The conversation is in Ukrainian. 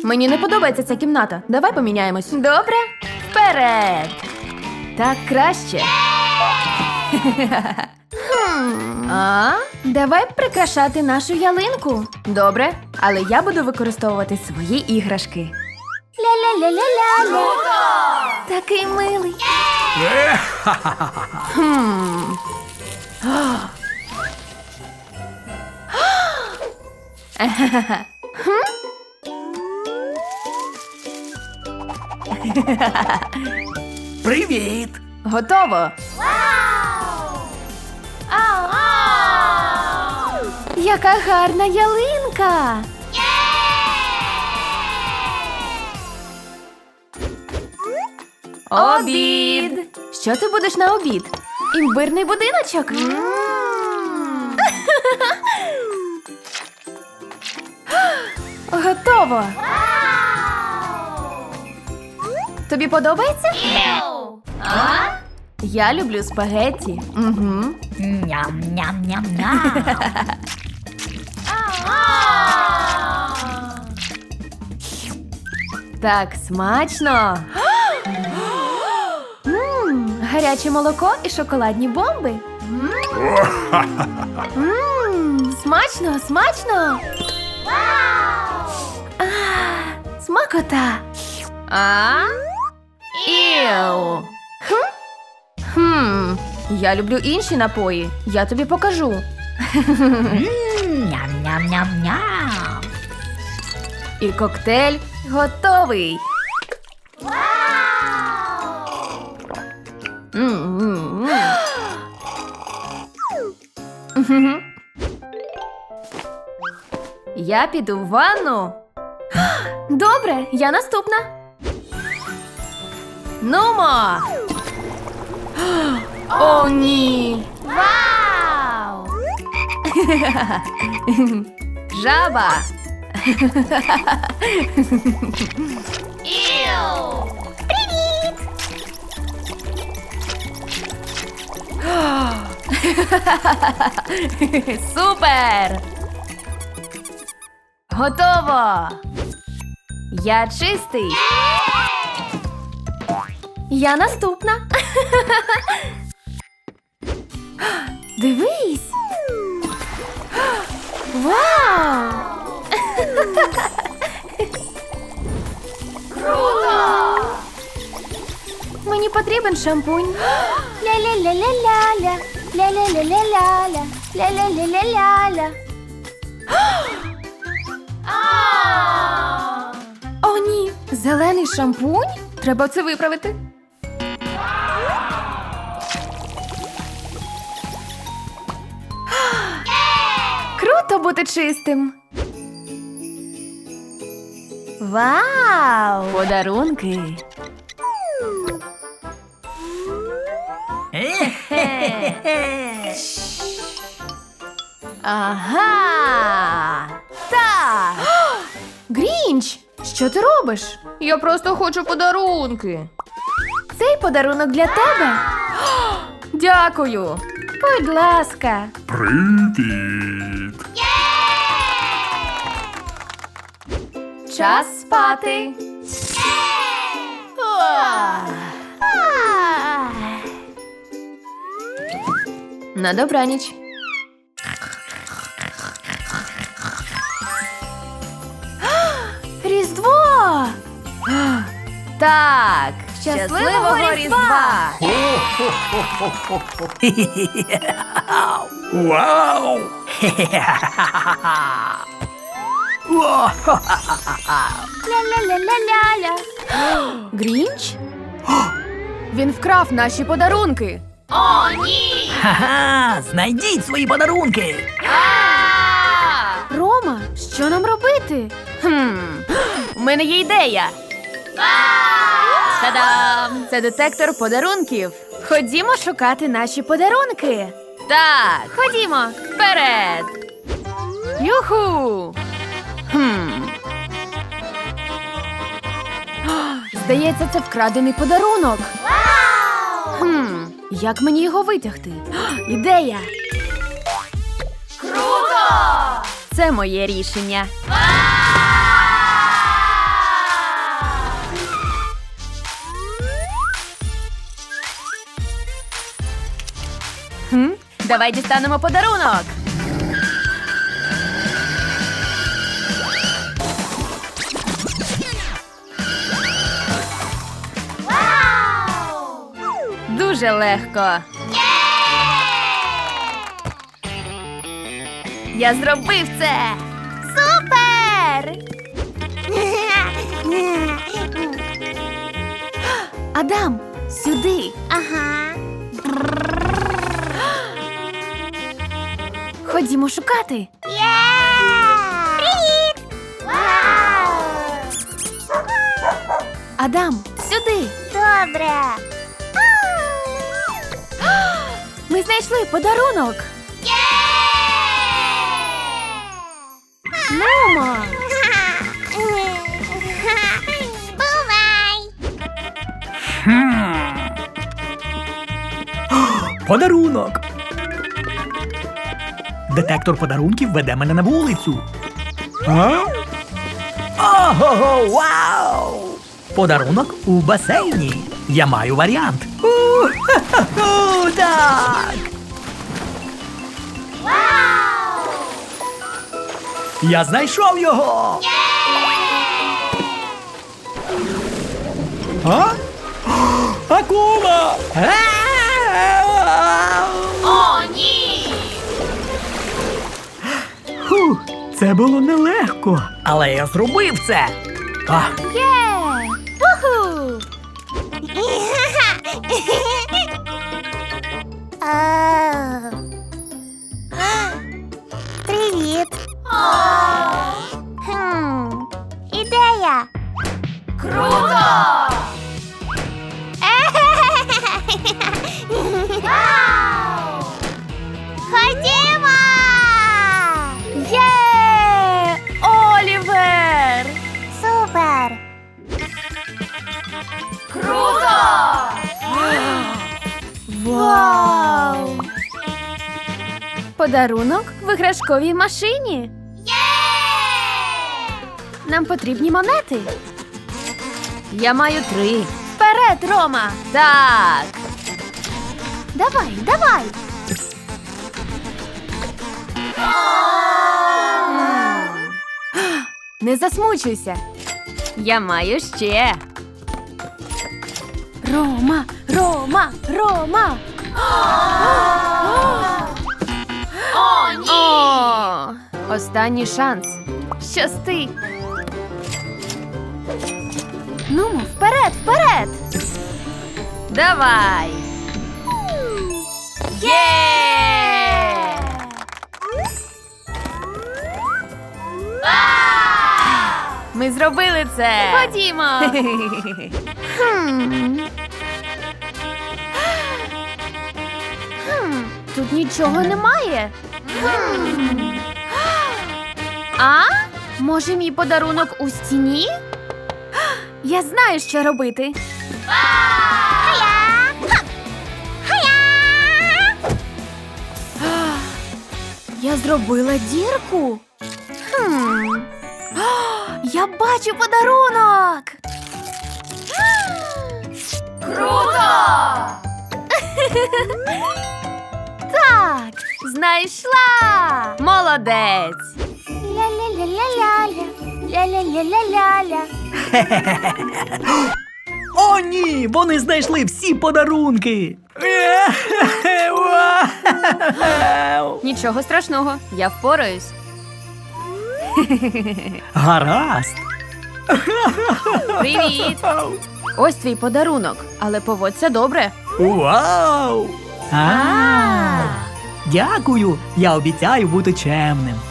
Мені не подобається ця кімната. Давай поміняємось. Добре? Вперед! Так краще. Давай прикрашати нашу ялинку. Добре, але я буду використовувати свої іграшки. Ля-ля-ля-ля-ля-ля. Такий милий. Привіт! Готово. Яка гарна ялинка! Обід! Що ти будеш на обід? Імбирний будиночок? Готово! Тобі подобається? Я люблю спагетті. Угу. Ням-ням-ням-ням. Так смачно. Гаряче молоко і шоколадні бомби. Смачно, смачно. Смакота. Іу. Я люблю інші напої. Я тобі покажу. Ням-ням-ням-ням. І коктейль готовий. Я піду в ванну. Добре, я наступна. Нумо! О, ні! Вау! Жаба! Привіт! Супер! Готово! Я чистий! Я наступна! Дивись! Вау! Круто! Мені потрібен шампунь. Ля-ля-ля-ля-ля-ля. Ля-ля-ля-ля-ля-ля. Ля-ля-ля-ля-ля-ля. О, ні! Зелений шампунь? Треба це виправити. Круто бути чистим. Вау! Подарунки. Ага! Так! Грінч! Що ти робиш? Я просто хочу подарунки. Цей подарунок для тебе. Дякую. Будь ласка. Привіт! Час спати. На добраніч. Різдво! Так, щасливого Різдва! Вау! Ля-ля-ля-ля-ля-ля. Грінч? Він вкрав наші подарунки. Ха-ха! Знайдіть свої подарунки! Рома, що нам робити? У мене є ідея. Та-дам! Це детектор подарунків. Ходімо шукати наші подарунки. Так, ходімо. Вперед. Юху! Здається, це вкрадений подарунок. Як мені його витягти? Ідея! Круто! Це моє рішення. Давай дістанемо подарунок. Дуже легко. Я зробив це. Супер! Адам, сюди. Ага. Ходімо шукати. Привіт! Вау! Адам, сюди. Добре. Ми знайшли подарунок. Мамо! Бувай! Подарунок. Детектор подарунків веде мене на вулицю. Ого, вау! Подарунок у басейні. Я маю варіант. У-ху-ху, так! Вау! Я знайшов його! А? Акула! О, ні! Фух, це було нелегко. Але я зробив це. А, Є! Уху! Привіт! Ідея! Круто! Вау! Ходімо! Є! Олівер! Супер! Круто! Вау! Подарунок в іграшковій машині. Нам потрібні монети. Я маю 3. Вперед, Рома! Так. Давай, давай. Не засмучуйся. Я маю ще. Рома, Рома, Рома. О, ні! О, останній шанс. Щасти. Нумо, вперед, вперед. Давай. Є! Ми зробили це. Ходімо. Тут нічого немає. А? Може, мій подарунок у стіні? Я знаю, що робити. Я зробила дірку. Я бачу подарунок. Круто! Так, знайшла. Молодець. Ля-ля-ля-ля-ля-ля. Ля-ля-ля-ля-ля-ля. О, ні! Вони знайшли всі подарунки! Вау! Нічого страшного, я впораюсь. Гаразд! Привіт! Ось твій подарунок, але поводься добре. Вау! Дякую! Я обіцяю бути чемним.